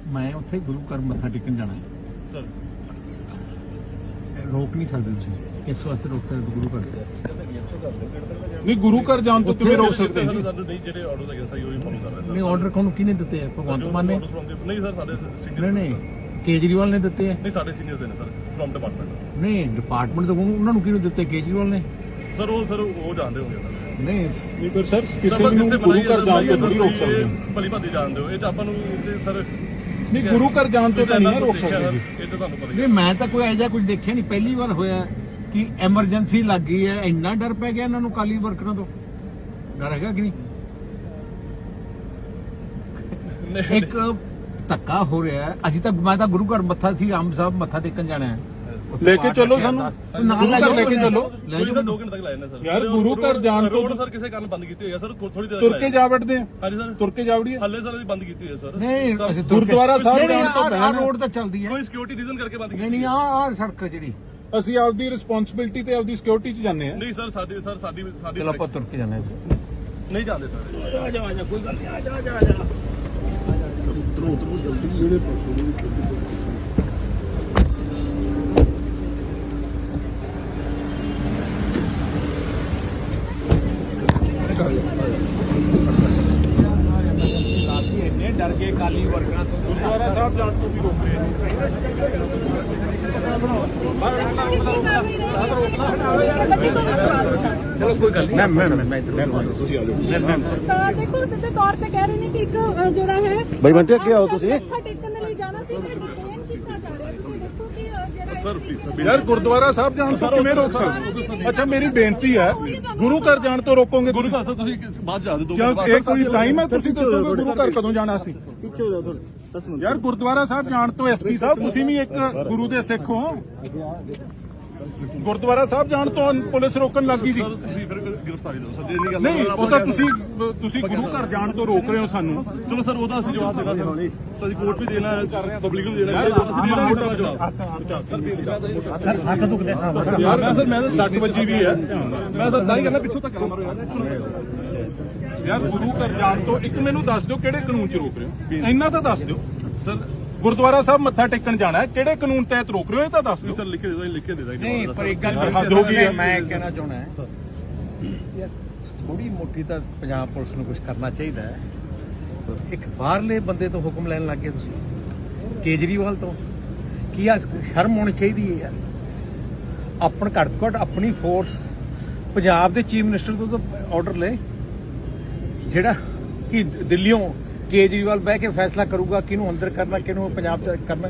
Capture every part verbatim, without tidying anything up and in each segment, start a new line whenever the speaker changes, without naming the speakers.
मैं उत्थे गुरु घर मत्था टेकन जाना
सर
रोक नहीं सकते तुसीं किस वास्ते रोक सकते गुरु घर
नहीं गुरु घर जान तो किवें रोक सकते
ਸਰ ਸਾਨੂੰ ਨਹੀਂ ਜਿਹੜੇ ਆਰਡਰਸ ਹੈਗੇ ਸਹੀ ਉਹੀ ਫੋਲੋ ਕਰ ਰਹੇ
नहीं ऑर्डर कौन किने दिते हैं भगवंत मान ने
ਨਹੀਂ ਸਰ ਸਾਡੇ
नहीं
ਸੀਨੀਅਰ
नहीं केजरीवाल ने दिते हैं
ਨਹੀਂ ਸਾਡੇ ਸੀਨੀਅਰਸ ਦੇ ਨੇ ਸਰ ਫਰਮ ਡਿਪਾਰਟਮੈਂਟ
नहीं डिपार्टमेंट तो उन्होंने किने दिते केजरीवाल ने
ਸਰ ਉਹ ਸਰ ਉਹ ਜਾਣਦੇ ਹੋਗੇ ਸਰ
नहीं
नहीं पर सर किसी ਨੂੰ ਗੁਰੂ ਘਰ ਜਾਣ ਤੋਂ ਨਹੀਂ ਰੋਕ ਸਕਦੇ
ਭਲੀ ਭਾਦੀ ਜਾਣਦੇ ਹੋ ਇਹ ਤਾਂ ਆਪਾਂ ਨੂੰ ਸਰ
नहीं गुरु घर जान तो नहीं रोक सकते
ਇਹ ਤਾਂ ਤੁਹਾਨੂੰ ਪਤਾ ਹੀ
नहीं मैं तो कोई ऐसा कुछ देखा नहीं पहली बार होया कि एमरजेंसी लग गई है इन्ना डर पै गया इन्होंने काली वर्करां तो डर है कि नहीं एक धक्का हो रहा है अभी तक मैं तो गुरु घर मत्था सी आम साहब मत्था टेकन जाना है
लेके चलो सानू गुरु घर लेके चलो
ਕੋਈ ਸਰ ਦੋ ਘੰਟੇ ਤੱਕ ਲਾਏ ਨੇ ਸਰ
यार गुरु घर जान तो
ਰੋਡ ਸਰ ਕਿਸੇ ਕਾਰਨ ਬੰਦ ਕੀਤੀ ਹੋਈ ਹੈ ਸਰ ਥੋੜੀ ਦੇਰ
तुर के जा बैठते हैं
ਹਾਂਜੀ ਸਰ
तुर के जावड़िए
ਹੱਲੇ ਸਰ ਅਸੀਂ ਬੰਦ ਕੀਤੀ ਹੋਈ ਹੈ ਸਰ
नहीं ਅਸੀਂ ਤੁਰ ਕੇ-
ਗੁਰਦੁਆਰਾ ਸਾਹਿਬ
नहीं,
ਜਾਣ ਤੋਂ
नहीं,
ਪਹਿਲਾਂ
आह रोड तो चलती है
ਕੋਈ ਸਿਕਿਉਰਿਟੀ ਰੀਜ਼ਨ ਕਰਕੇ ਬੰਦ
नहीं
ਕੀਤੀ
नहीं आ आ सड़क जी
ਅਸੀਂ ਆਪਦੀ ਰਿਸਪੌਂਸਿਬਿਲਟੀ ਤੇ ਆਪਦੀ ਸਿਕਿਉਰਿਟੀ 'ਚ ਜਾਂਦੇ ਆ
ਨਹੀਂ ਸਰ ਸਾਡੀ ਸਰ ਸਾਡੀ ਸਾਡੀ
चलो आप तुर के जाना है
ਨਹੀਂ ਜਾਂਦੇ ਸਰ
आ जा आ जा कोई गल नहीं आ जा आ जा आ जा डर के काली वर्करां तो
ਗੁਰਦੁਆਰਾ ਸਾਹਿਬ ਜਾਣ ਤੋਂ ਵੀ ਰੋਕ ਰਹੇ ਨੇ
चलो कोई गल नहीं मैं मैं मैं ਤੁਸੀਂ ਆ ਜਾਓ ਮੈਂ
ਤਾਂ ਦੇਖੋ ਸਿੱਧੇ ਤੌਰ ਤੇ ਕਹਿ ਰਹੇ ਨੇ ਕਿ ਇੱਕ ਅ, ਜਿਹੜਾ ਹੈ
ਬਈ ਬੰਟੇ ਅੱਗੇ ਆਓ ਤੁਸੀਂ
ਮੱਥਾ ਟੇਕਣ ਦੇ ਲਈ ਜਾਣਾ ਸੀ ਫਿਰ ਡਿਟੇਨ ਕੀਤਾ ਜਾ ਰਿਹਾ ਤੁਸੀਂ ਦੇਖੋ ਕਿ ਅ, ਜਿਹੜਾ
ਸਰ ਪਲੀਜ਼
ਯਾਰ ਗੁਰਦੁਆਰਾ ਸਾਹਿਬ ਜਾਣ ਤੋਂ ਕਿਵੇਂ ਰੋਕ ਸਕਦੇ ਅੱਛਾ ਮੇਰੀ ਬੇਨਤੀ ਹੈ ਗੁਰੂ ਘਰ ਜਾਣ ਤੋਂ ਰੋਕੋਗੇ
ਗੁਰੂ ਘਰ ਤੋਂ ਤੁਸੀਂ ਬਾਅਦ ਜਾ ਦੇ ਦੋ
ਕਿਉਂ ਇਹ ਕੋਈ ਟਾਈਮ ਹੈ ਤੁਸੀਂ ਦੱਸੋਗੇ ਗੁਰੂ ਘਰ ਕਦੋਂ ਜਾਣਾ ਸੀ
ਪਿੱਛੇ ਹੋ ਜਾ ਥੋੜੇ ਦਸ ਮਿੰਟ
ਯਾਰ ਗੁਰਦੁਆਰਾ ਸਾਹਿਬ ਜਾਣ ਤੋਂ ਐਸਪੀ ਸਾਹਿਬ ਤੁਸੀਂ ਵੀ ਇੱਕ ਗੁਰੂ ਦੇ ਸਿੱਖ ਹੋ ਗੁਰਦੁਆਰਾ ਸਾਹਿਬ ਜਾਣ ਤੋਂ ਪੁਲਿਸ ਰੋਕਣ ਲੱਗੀ ਸੀ
ਸਰ ਤੁਸੀਂ ਫਿਰ ਗ੍ਰਿਫਤਾਰੀ ਦਿਓ ਸਰ ਜੇ ਨਹੀਂ ਗੱਲ
ਨਹੀਂ ਉਹ ਤਾਂ ਤੁਸੀਂ ਤੁਸੀਂ ਗੁਰੂ ਘਰ ਜਾਣ ਤੋਂ ਰੋਕ ਰਹੇ ਹੋ ਸਾਨੂੰ
ਚਲੋ ਸਰ ਉਹਦਾ ਅਸੀਂ ਜਵਾਬ ਦੇਣਾ ਸਰ ਸਰ ਅਸੀਂ ਕੋਰਟ ਵੀ ਦੇਣਾ ਹੈ ਪਬਲਿਕ ਨੂੰ ਦੇਣਾ ਹੈ ਅਸੀਂ ਦੇਣਾ ਹੈ ਜਵਾਬ
ਹੱਥ ਦੁਖਦੇ ਸਾਹਿਬ
ਯਾਰ ਮੈਂ ਸਰ ਮੈਂ ਤਾਂ ਸੱਟ ਵੱਜੀ ਵੀ ਹੈ
ਮੈਂ ਤਾਂ ਨਹੀਂ ਕਰਨਾ ਪਿੱਛੋਂ ਤੱਕ ਨਾ ਮਾਰੋ
ਯਾਰ ਗੁਰੂ ਘਰ ਜਾਣ ਤੋਂ ਇੱਕ ਮੈਨੂੰ ਦੱਸ ਦਿਓ ਕਿਹੜੇ ਕਾਨੂੰਨ 'ਚ ਰੋਕ ਰਹੇ ਹੋ ਇੰਨਾ ਤਾਂ ਦੱਸ ਦਿਓ
ਸਰ
ਗੁਰਦੁਆਰਾ ਸਾਹਿਬ ਮੱਥਾ ਟੇਕਣ ਜਾਣਾ ਹੈ ਕਿਹੜੇ ਕਾਨੂੰਨ ਤਹਿਤ ਰੋਕ ਰਹੇ ਹੋ ਇਹ ਤਾਂ ਦੱਸ ਦਿਓ
ਸਰ ਲਿਖ ਕੇ ਦੇ ਦੋ ਲਿਖ ਕੇ ਦੇ ਦਾਂਗੇ
नहीं पर एक गल
हद हो गई है।
मैं कहना चाहना है यार थोड़ी मोटी तो पंजाब पुलिस ਨੂੰ ਕੁਝ ਕਰਨਾ ਚਾਹੀਦਾ ਹੈ ਇੱਕ ਬਾਹਰਲੇ ਬੰਦੇ ਤੋਂ ਹੁਕਮ ਲੈਣ ਲੱਗੇ ਤੁਸੀਂ ਕੇਜਰੀਵਾਲ ਤੋਂ ਕੀ ਆ ਸ਼ਰਮ ਹੋਣੀ ਚਾਹੀਦੀ ਹੈ ਯਾਰ ਆਪਣ ਘੱਟ ਤੋਂ ਘੱਟ ਆਪਣੀ ਫੋਰਸ ਪੰਜਾਬ ਦੇ ਚੀਫ ਮਿਨਿਸਟਰ ਤੋਂ ਤਾਂ ਆਰਡਰ ਲੈ ਜਿਹੜਾ ਕਿ ਦਿੱਲੀੋਂ ਕੇਜਰੀਵਾਲ ਬਹਿ ਕੇ ਫੈਸਲਾ ਕਰੂਗਾ ਕਿਹਨੂੰ ਅੰਦਰ ਕਰਨਾ ਕਿਹਨੂੰ ਪੰਜਾਬ ਚ ਕਰਨਾ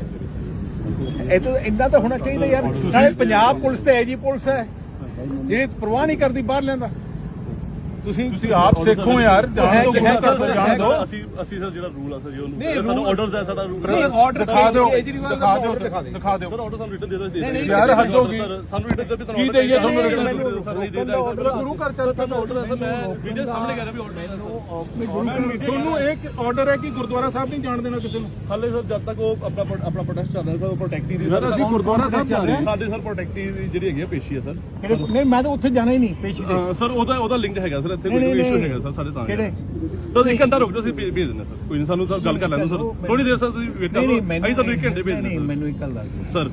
ਇਹ ਤਾਂ ਇੰਨਾ ਤਾਂ ਹੋਣਾ ਚਾਹੀਦਾ ਯਾਰ ਨਾਲੇ ਪੰਜਾਬ ਪੁਲਿਸ ਤੇ ਐਜੀ ਪੁਲਿਸ ਹੈ ਜਿਹੜੀ ਪਰਵਾਹ ਨਹੀਂ ਕਰਦੀ ਬਾਹਰ ਲੈਂਦਾ ਤੁਸੀਂ
ਤੁਸੀਂ ਆਪ ਸਿੱਖੋ ਯਾਰ ਜਾਣ ਤੋਂ ਗੁਰੂ ਘਰ ਤੋਂ ਜਾਣ ਦਿਓ
ਅਸੀਂ ਅਸੀਂ ਸਰ ਜਿਹੜਾ ਰੂਲ ਆ ਸਰ ਜੀ
ਨਹੀਂ,
ਉਹਨੂੰ ਸਾਨੂੰ
rule-
ਆਰਡਰਸ ਹੈ ਸਾਡਾ ਰੂਲ
ਨਹੀਂ, order
ਦਿਖਾ ਦਿਓ
ਕੇਜਰੀਵਾਲ ਦਾ
ਦਿਖਾ ਦਿਓ
order ਦਿਖਾ ਦਿਓ।
ਦਿਖਾ ਦਿਓ
ਸਰ ਆਰਡਰ ਸਾਨੂੰ ਰਿਟਨ ਦੇ ਦੋ ਦੇ
ਨਹੀਂ, ਨਹੀਂ,
ਯਾਰ ਹੱਦ ਹੋ ਗਈ
ਸਾਨੂੰ ਰਿਟਨ ਦੇ ਵੀ ਤੁਹਾਨੂੰ
ਕੀ ਦੇਈਏ ਤੁਹਾਨੂੰ
written?
written?
ਸਰ ਨਹੀਂ ਦੇਦਾ
ਗੁਰੂ ਘਰ ਚੱਲ
ਸਾਡਾ ਆਰਡਰ ਹੈ ਸਰ ਮੈਂ ਵੀਡੀਓ ਸਾਹਮਣੇ ਕਰ ਰਿਹਾ ਵੀ ਆਰਡਰ ਹੈ ਸਰ
ਤੁਹਾਨੂੰ ਇੱਕ ਆਰਡਰ ਹੈ ਕਿ ਗੁਰਦੁਆਰਾ ਸਾਹਿਬ ਨਹੀਂ ਜਾਣ ਦੇਣਾ ਕਿਸੇ ਨੂੰ
ਹਾਲੇ ਸਰ ਜਦ ਤੱਕ ਉਹ ਆਪਣਾ ਆਪਣਾ ਪ੍ਰੋਟੈਸਟ ਚੱਲ ਰਿਹਾ ਸਰ ਉਹ ਪ੍ਰੋਟੈਕਟੀ ਦੀ
ਯਾਰ ਅਸੀਂ ਗੁਰਦੁਆਰਾ ਸਾਹਿਬ ਜਾ ਰਹੇ ਹਾਂ
ਸਾਡੇ ਸਰ ਪ੍ਰੋਟੈਕਟੀ ਦੀ ਜਿਹੜੀ ਹੈਗੀ ਆ ਪੇਸ਼ੀ ਹੈ ਸਰ
ਨਹੀਂ ਮੈਂ ਤਾਂ ਉੱਥੇ ਜਾਣਾ ਹੀ ਨਹੀਂ ਪੇਸ਼ੀ ਤੇ
ਅਹ ਸਰ ਉਹਦਾ ਉਹਦਾ ਲਿੰਕ ਹੈਗਾ ਸਰ ਇੱਥੇ
ਨਹੀਂ,
ਕੋਈ
ਨਹੀਂ,
ਇਸ਼ੂ
ਨਹੀਂ।
ਹੈਗਾ ਸਰ ਸਾਡੇ ਤਾਂ
ਕਿਹੜੇ?
ਤਾਂ ਇੱਕ ਘੰਟਾ ਰੁਕ ਜਾਓ ਅਸੀਂ ਭੇਜ ਭੇਜ ਦਿੰਦੇ ਸਰ ਕੋਈ ਨਹੀਂ ਸਾਨੂੰ ਸਰ ਗੱਲ ਕਰ ਲੈਣ ਦਿਓ ਸਰ ਥੋੜੀ ਦੇਰ ਸਰ ਤੁਸੀਂ ਵੇਟ ਕਰੋ ਅਸੀਂ ਤੁਹਾਨੂੰ ਇੱਕ ਘੰਟੇ ਭੇਜ
ਨਹੀਂ
ਦਿੰਦੇ
ਮੈਨੂੰ ਇੱਕ ਗੱਲ ਦੱਸ ਦਿਓ
ਸਰ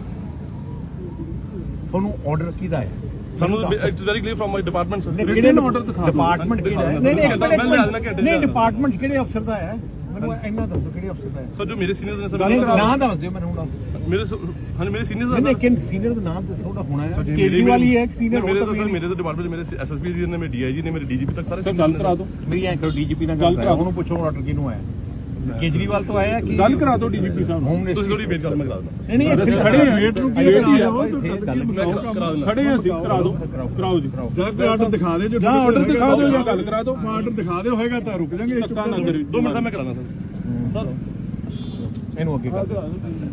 ਤੁਹਾਨੂੰ ਆਰਡਰ ਕਿਹਦਾ ਹੈ
ਸਾਨੂੰ it's very clear from my department sir
ਕਿਹੜੇ ਆਰਡਰ ਦਿਖਾ ਦਿਓ
ਡਿਪਾਰਟਮੈਂਟ ਕਿਹੜਾ ਹੈ
ਨਹੀਂ,
ਨਹੀਂ
ਮੈਂ ਲਿਆ ਦੇਣਾ ਘੰਟੇ
ਨਹੀਂ
ਚ।
ਡਿਪਾਰਟਮੈਂਟ ਕਿਹੜੇ ਅਫਸਰ ਦਾ ਹੈ ਮੈਨੂੰ ਇੰਨਾ ਦੱਸੋ ਕਿਹੜੇ ਅਫਸਰ ਦਾ ਹੈ
ਸਰ ਜੋ ਮੇਰੇ ਸੀਨੀਅਰਸ ਨੇ
ਨਹੀਂ
ਸਰ
ਨਾਮ ਦੱਸ ਦਿਓ ਮੈਨੂੰ ਹੁਣ
ਮੇਰੇ ਹਾਂ ਮੇਰੇ ਸੀਨੀਅਰਸ
ਨਹੀਂ
ਦਾ
ਲੇਕਿਨ ਸੀਨੀਅਰ ਦਾ ਨਾਮ ਦੱਸੋ ਉਹਦਾ ਹੋਣਾ ਹੈ ਕੇਜਰੀਵਾਲ ਹੀ ਹੈ ਇੱਕ ਸੀਨੀਅਰ
ਮੇਰੇ ਤਾਂ ਸਰ ਮੇਰੇ ਤਾਂ ਡਿਪਾਰਟਮੈਂਟ ਮੇਰੇ ਐਸਐਸਪੀ ਜੀ ਨੇ ਮੇਰੇ ਡੀਆਈਜੀ ਨੇ ਮੇਰੇ ਡੀਜੀਪੀ ਤੱਕ ਸਾਰੇ
ਸਰ ਗੱਲ ਕਰਾ ਦਿਓ
ਮੇਰੀ ਐਂ ਕਰੋ ਡੀਜੀਪੀ ਨਾਲ ਗੱਲ ਕਰਾ ਉਹਨੂੰ ਪੁੱਛੋ ਆਰਡਰ ਕਿਹਨੂੰ ਆਇਆ ਕੇਜਰੀਵਾਲ ਤੋਂ ਆਇਆ ਕਿ
ਗੱਲ ਕਰਾ ਦਿਓ ਡੀਜੀਪੀ ਸਾਹਿਬ ਨੂੰ
ਹੋਮ
ਤੁਸੀਂ
ਮਿਨਿਸਟਰ
ਥੋੜੀ ਵੇਟ ਕਰ ਮੈਂ ਕਰਾ ਦਿੰਦਾ
ਨਹੀਂ ਨਹੀਂ
ਅਸੀਂ ਖੜੇ ਹਾਂ ਵੇਟ ਨੂੰ ਕੀ
ਵੇਟ ਹੀ
ਹੈ
ਮੈਂ ਕਰਾ ਦਿੰਦਾ
ਖੜੇ ਹਾਂ ਅਸੀਂ ਕਰਾ ਦਿਓ ਕਰਾਓ ਜੀ
ਜਾਂ ਕੋਈ ਆਰਡਰ ਦਿਖਾ ਦੇ ਜੋ
ਜਾਂ ਆਰਡਰ ਦਿਖਾ ਦਿਓ ਜਾਂ ਗੱਲ ਕਰਾ ਦਿਓ
ਆਰਡਰ ਦਿਖਾ ਦਿਓ ਹੋਏਗਾ ਤਾਂ ਰੁਕ ਜਾਾਂਗੇ
ਧੱਕਾ ਨਾ ਕਰਿਓ
ਦੋ ਮਿੰਟ ਦਾ ਮੈਂ ਕਰਾਣਾ ਸਰ ਸਰ
ਇਹਨੂੰ ਅੱਗੇ ਕਰ ਦਿਓ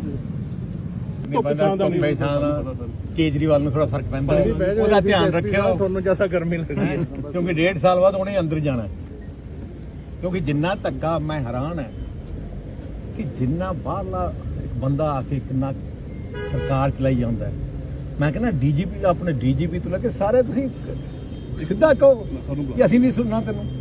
ਧੁੱਪ ਛਾਂ ਦਾ ਨਹੀਂ।
ਧੁੱਪੇ ਛਾਂ ਦਾ ਕੇਜਰੀਵਾਲ ਨੂੰ ਥੋੜਾ ਫਰਕ ਪੈਂਦਾ ਹੈ। ਉਹਦਾ ਧਿਆਨ ਰੱਖਿਓ ਤੁਹਾਨੂੰ ਜ਼ਿਆਦਾ ਗਰਮੀ ਲੱਗਦੀ ਹੈ ਕਿਉਂਕਿ ਡੇਢ ਸਾਲ ਬਾਅਦ ਉਹਨੇ ਅੰਦਰ ਜਾਣਾ ਹੈ। ਕਿਉਂਕਿ ਜਿੰਨਾ ਧੱਕਾ ਮੈਂ ਹੈਰਾਨ ਹੈ ਕਿ ਜਿੰਨਾ ਬਾਹਰਲਾ ਇੱਕ ਬੰਦਾ ਆ ਕੇ ਕਿੰਨਾ ਸਰਕਾਰ ਚਲਾਈ ਜਾਂਦਾ ਹੈ। ਮੈਂ ਕਹਿੰਦਾ ਡੀਜੀਪੀ ਆਪਣੇ ਡੀਜੀਪੀ ਤੋਂ ਲੈ ਕੇ ਸਾਰੇ ਤੁਸੀਂ ਸਿੱਧਾ ਕਹੋ ਕਿ ਅਸੀਂ ਨਹੀਂ ਸੁਣਨਾ ਤੈਨੂੰ